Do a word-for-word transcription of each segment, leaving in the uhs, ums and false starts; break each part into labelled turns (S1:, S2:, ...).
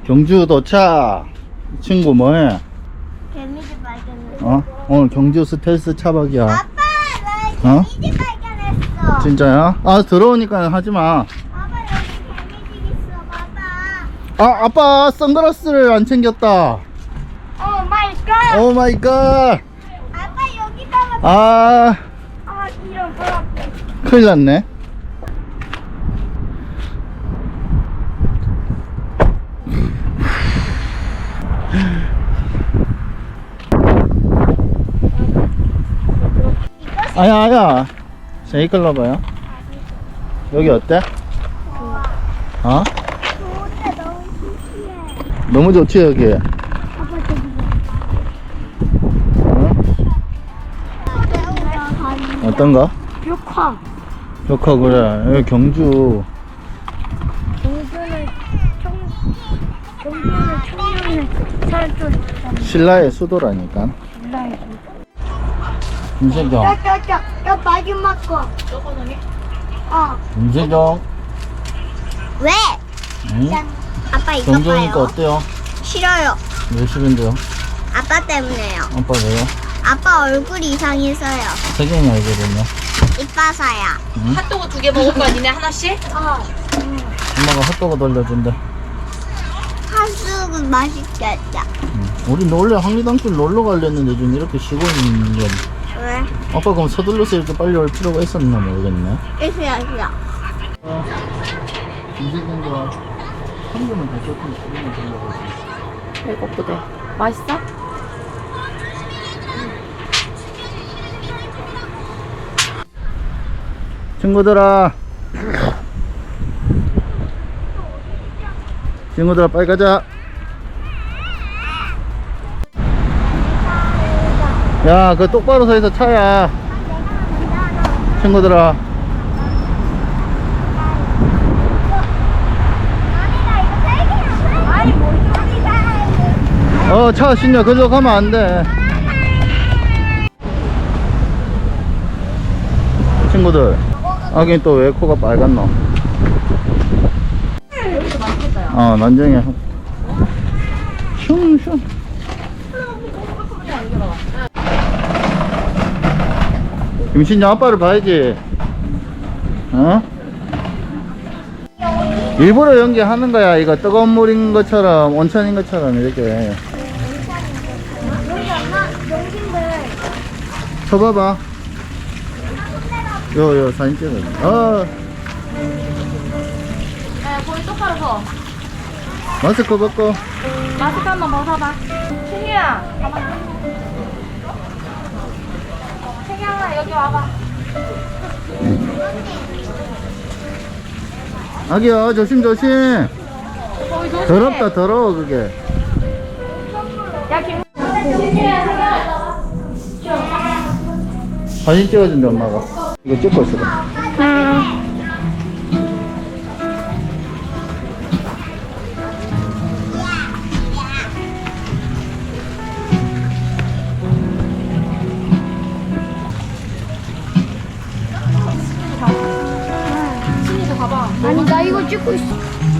S1: 경주 도착. 친구 뭐해?
S2: 개미집 발견했어.
S1: 어? 오늘 경주 스텔스 차박이야.
S2: 아빠, 나
S1: 어?
S2: 개미집 발견했어.
S1: 진짜야? 아 들어오니까 하지마.
S2: 아빠, 여기 개미집 있어. 봐봐.
S1: 아 아빠 선글라스를 안 챙겼다.
S2: 오 마이 갓.
S1: 오 마이 갓.
S2: 아빠, 여기다가.
S1: 아
S2: 아, 이런 거.
S1: 큰일 났네. 아야 아야 세이클러봐요. 여기 어때? 어?
S2: 좋은데 너무 신기해.
S1: 너무 좋지 여기.
S2: 아빠, 저기.
S1: 어? 어떤 거?
S2: 벽화.
S1: 좋고 그래. 여기 경주.
S2: 경주는 청, 경주는 청년의 살도
S1: 신라의 수도라니까.
S2: 있잖아.
S1: 김세경.
S2: 야, 야, 야, 야, 마지막 거. 조금이? 어.
S1: 김세경.
S2: 왜?
S1: 응?
S2: 아빠 이거
S1: 경주니까
S2: 봐요.
S1: 어때요?
S2: 싫어요.
S1: 왜 싫은데요?
S2: 아빠 때문에요.
S1: 아빠 왜요?
S2: 아빠 얼굴 이상해서요.
S1: 세경이 알거든요.
S2: 이빠서야.
S1: 응?
S3: 핫도그 두 개 먹을 거야, 니네 하나씩?
S2: 어.
S1: 엄마가 핫도그 돌려준대.
S2: 한숙은 맛있겠다.
S1: 응. 우리 원래 황리단길 놀러 가려는데 지금 이렇게 쉬고 있는 건
S2: 왜?
S1: 아빠 그럼 서둘러서 이렇게 빨리 올 필요가 있었나 모르겠네.
S2: 있어요, 있어.
S1: 김세경과 한 개만 더 줬으면 그러면 되려고 했지.
S3: 배고프대. 맛있어?
S1: 친구들아 친구들아 빨리 가자. 야 그 똑바로 서 있어 차야. 친구들아
S2: 아니, 뭐, 소리가.
S1: 어 차 신냐 그저 가면 안돼. 친구들 아긴 또 왜 코가 빨갛노?
S3: 여기도 맛있겠다, 야.
S1: 어 난쟁이 슝슝. 김신영 아빠를 봐야지. 어? 일부러 연기하는 거야. 이거 뜨거운 물인 것처럼 온천인 것처럼 이렇게
S2: 여기 엄마, 용신들.
S1: 쳐봐봐. 요요 사진 찍어. 어
S3: 야, 거기 똑바로 서.
S1: 마스크 벗고.
S3: 마스크 한번 벗어봐. 승희야, 가만. 승희야, 여기 와봐.
S1: 아기야 조심 조심.
S3: 거기 조심해.
S1: 더럽다 더러워 그게.
S3: 야, 김. 승희야, 승희야.
S1: 사진 찍어준대 엄마가. 이거 찍고 있어.
S3: 승희도 가봐.
S2: 아니, 나 이거 찍고 있어.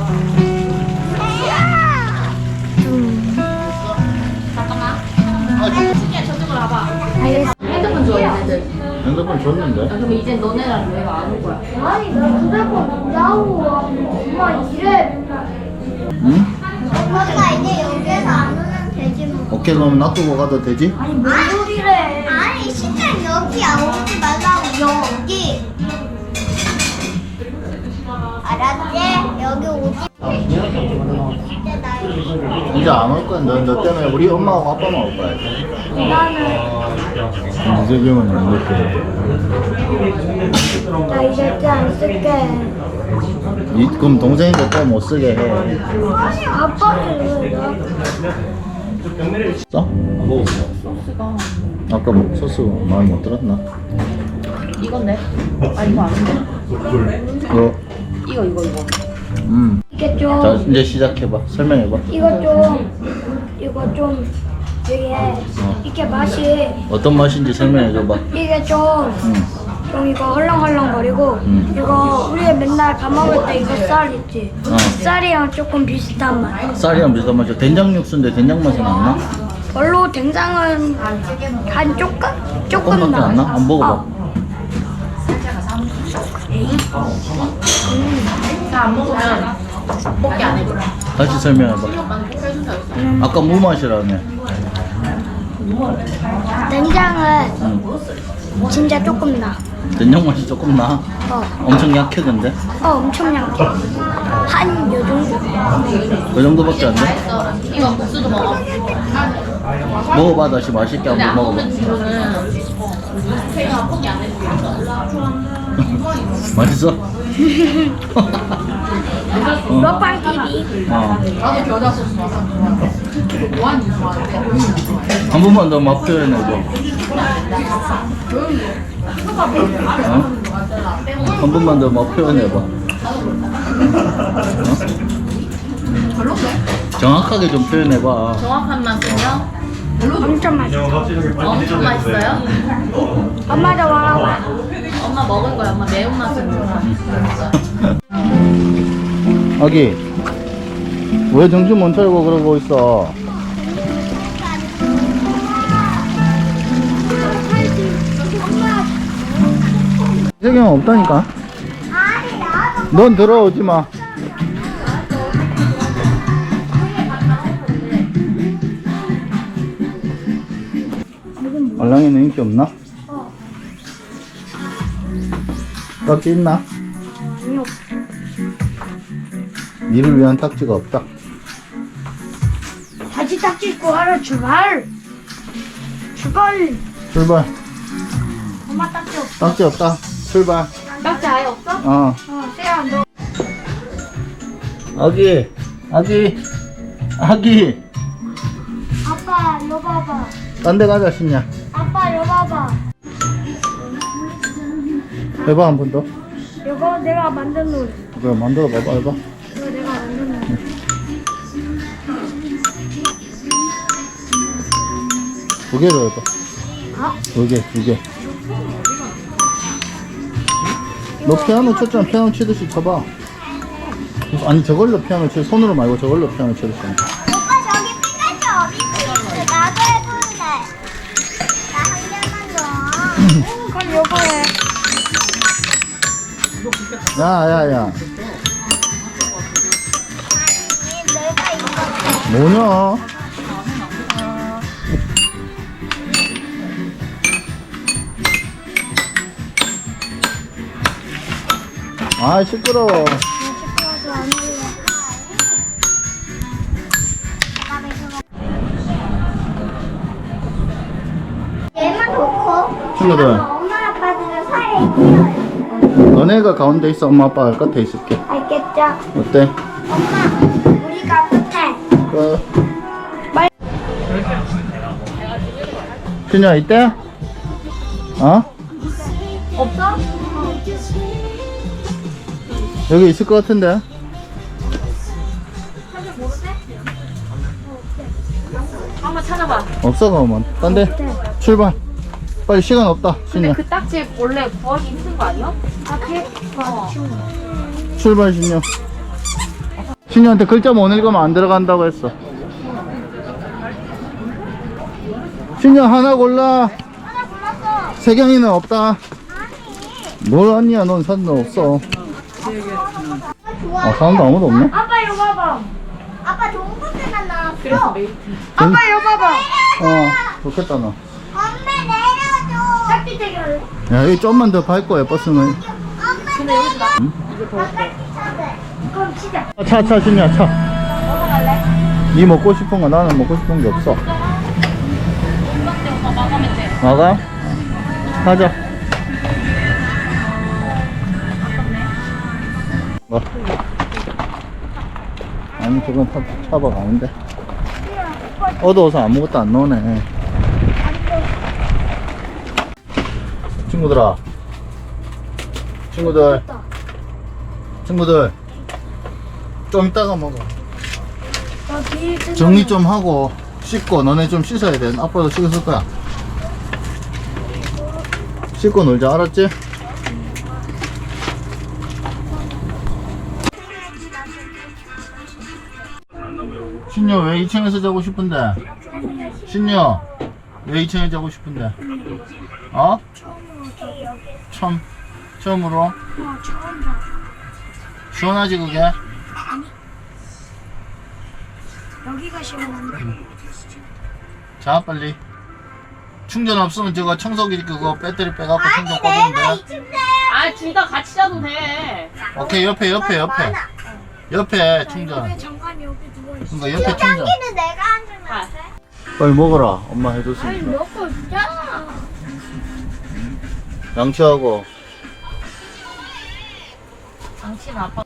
S3: 잠깐만. 승희야, 저쪽으로 와봐.
S2: 알겠어.
S3: 핸드폰 줘, 얘네들.
S1: 핸드폰 줬는데.
S3: 야, 그럼 이제 너네랑 왜 안 올 거야?
S2: 아니, 나 휴대폰 나오고 엄마 이래.
S1: 응?
S2: 엄마가 이제 여기에서 안 오면 되지 뭐.
S1: 오케이 그럼 놔두고 가도 되지?
S2: 아니, 뭔 소리래. 아니, 진짜 여기야. 오지 말라고, 여기. 알았지? 여기 오지. 진짜 나 여기.
S1: 이제 안 올 거야. 너, 너 때문에 우리 엄마하고 아빠만 올 거야.
S2: 나는,
S1: 이재경은 안 올게.
S2: 나 이제 안 쓸게.
S1: 이, 그럼 동생이가 또 못 쓰게 해.
S2: 아니, 아빠는 왜 나?
S1: 써?
S3: 소스가.
S1: 아까 뭐 소스 마음에 못 들었나?
S3: 이건데? 아, 이거 아닌데?
S1: 이거
S3: 이거, 이거, 이거.
S1: 음.
S2: 이게 좀,
S1: 자 이제 시작해봐. 설명해봐.
S2: 이거 좀, 이거 좀, 이게, 이게 맛이,
S1: 어떤 맛인지 설명해줘봐.
S2: 이게 좀,
S1: 음.
S4: 형 이거 헐렁헐렁거리고
S1: 음.
S4: 이거 우리가 맨날 밥 먹을 때 이거 쌀 있지?
S1: 어.
S4: 쌀이랑 조금 비슷한 맛.
S1: 쌀이랑 비슷한 맛이야. 된장 육수인데 된장 맛은 안 나?
S4: 별로 된장은 한 조금? 조금
S1: 조금밖에 안 나? 안 먹어봐.
S4: 어.
S3: 안 먹으면 먹기 안 해줘.
S1: 다시 설명해봐. 아까 무 맛이라며.
S4: 된장은
S1: 응.
S4: 진짜 조금 나.
S1: 된장 맛이 조금 나.
S4: 어,
S1: 엄청 약해 근데.
S4: 어 엄청 약해. 한 요 정도?
S1: 그 정도밖에 안 돼?
S3: 이거 국수도 먹어.
S1: 먹어봐 다시 맛있게
S3: 근데 안
S1: 한번
S3: 먹는
S1: 먹어봐.
S3: 친구는 제가 포기 안 해줘.
S1: 맛있어? 어.
S4: 먹방 티비.
S1: 어.
S3: 나도 겨자 소스 좋아서. 뭐 하는 거 좋아하는데?
S1: 한 번만 더 맛 표현해줘. 어? 한 번만 더 맛 표현해봐. 어? 정확하게 좀 표현해봐.
S3: 정확한 맛은요?
S4: 엄청 맛있어.
S3: 엄청 맛있어요?
S4: 엄마도 와봐.
S3: 엄마 먹을 거야. 엄마 매운맛은
S1: 아기, 왜 정신 못 차리고 그러고 있어? 세경 없다니까. 넌 들어오지 마. 알랑이는 인기 없나? 딱지 있나? 니를 위한 딱지가 없다.
S4: 다시 딱지 입고 하러 출발. 출발.
S1: 출발.
S4: 엄마 딱지 없어.
S1: 딱지 없다. 출발.
S3: 딱지 아예 없어?
S1: 어.
S4: 어, 세야 너.
S1: 아기, 아기, 아기.
S4: 아빠 요 봐봐.
S1: 딴 데 가자, 신냐.
S4: 아빠 요 봐봐.
S1: 해봐, 한 번 더.
S4: 이거 내가 만든 노래.
S1: 그래, 만들어 봐봐, 해봐.
S4: 이거 내가 만든 노래.
S1: 두 개로 해봐.
S4: 어?
S1: 두 개, 두 개. 너 피아노 쳤잖아. 피아노 치듯이 쳐봐. 아니, 저걸로 피아노 치, 손으로 말고 저걸로 피아노 치듯이.
S2: 오빠 저기 피카츄 어디 있어? 나도 해볼래. 나 한 개만 줘.
S4: 그럼 요거 해.
S1: 야, 야, 야.
S2: 아니 내가 이거
S1: 뭐냐? 아, 시끄러워.
S4: 시끄러워서 안 할래.
S2: 얘만 놓고
S1: 친구들,
S2: 엄마 아빠들은 사이에 끼어요.
S1: 너네가 가운데 있어. 엄마 아빠가 끝에 있을게.
S4: 알겠죠?
S1: 어때?
S2: 엄마 우리가 끝에.
S1: 그,
S4: 말-
S1: 신야, 이때? 어?
S3: 없어?
S1: 여기 있을 것 같은데?
S3: 한번 찾아봐.
S1: 없어, 그러면. 딴 데? 출발. 빨리, 시간 없다,
S3: 근데
S1: 신야.
S3: 그 딱지 원래 구하기 힘든 거 아니야?
S4: 앞에
S3: 어.
S1: 출발, 신야. 신야한테 글자 못 읽으면 안 들어간다고 했어. 신야, 하나 골라.
S2: 하나 골랐어.
S1: 세경이는 없다. 뭘 아니야, 넌 사는 거 없어.
S2: 좋아.
S1: 아, 사람도 아무도 없네?
S4: 아빠 요 봐봐.
S2: 아빠 동부대만 나왔어.
S3: 그래서 메이트.
S4: 아빠 요 봐봐.
S1: 어, 좋겠다, 너.
S2: 엄마 내려줘.
S4: 딱지 대결.
S1: 야, 여기 좀만 더 밟고, 버스는.
S2: 엄마
S3: 근데 여기서 나
S1: 응?
S2: 바깥이 차대.
S4: 그럼 치자.
S1: 아, 차, 차, 신야, 차.
S3: 먹어갈래?
S1: 니 먹고 싶은 거, 나는 먹고 싶은 게 없어.
S3: 이밖에 오빠 마감면 돼.
S1: 나가? 가자. 뭐? 아니, 저건 타, 타박 아닌데. 어두워서 아무것도 안 나오네. 친구들아. 친구들. 친구들. 좀 이따가 먹어.
S4: 나 비닐 뜯어.
S1: 정리 좀 하고 씻고 너네 좀 씻어야 돼. 아빠도 씻었을 거야. 씻고 놀자, 알았지? 신유 왜 이 층에서 자고 싶은데? 신유 왜 이 층에 자고 싶은데? 어? 처음 처음으로?
S4: 어, 처음 자.
S1: 시원하지 그게?
S4: 여기가 시원한데.
S1: 자 빨리. 충전 없으면 저거 청소기 그거 배터리 빼갖고 충전
S2: 아니 내가
S1: 꽂으면
S2: 이
S1: 돼.
S2: 침대.
S3: 아, 둘 다 같이 자도 돼.
S1: 오케이 옆에 옆에 옆에 옆에 충전.
S4: 왜 잠깐 여기 누워 있어?
S1: 그러니까 옆에 충전.
S2: 여기는 내가 앉으면 안 돼?
S1: 빨리 먹어라. 엄마 해줬으니까.
S4: 먹고 있잖아.
S1: 양치하고.
S3: 당신 아빠.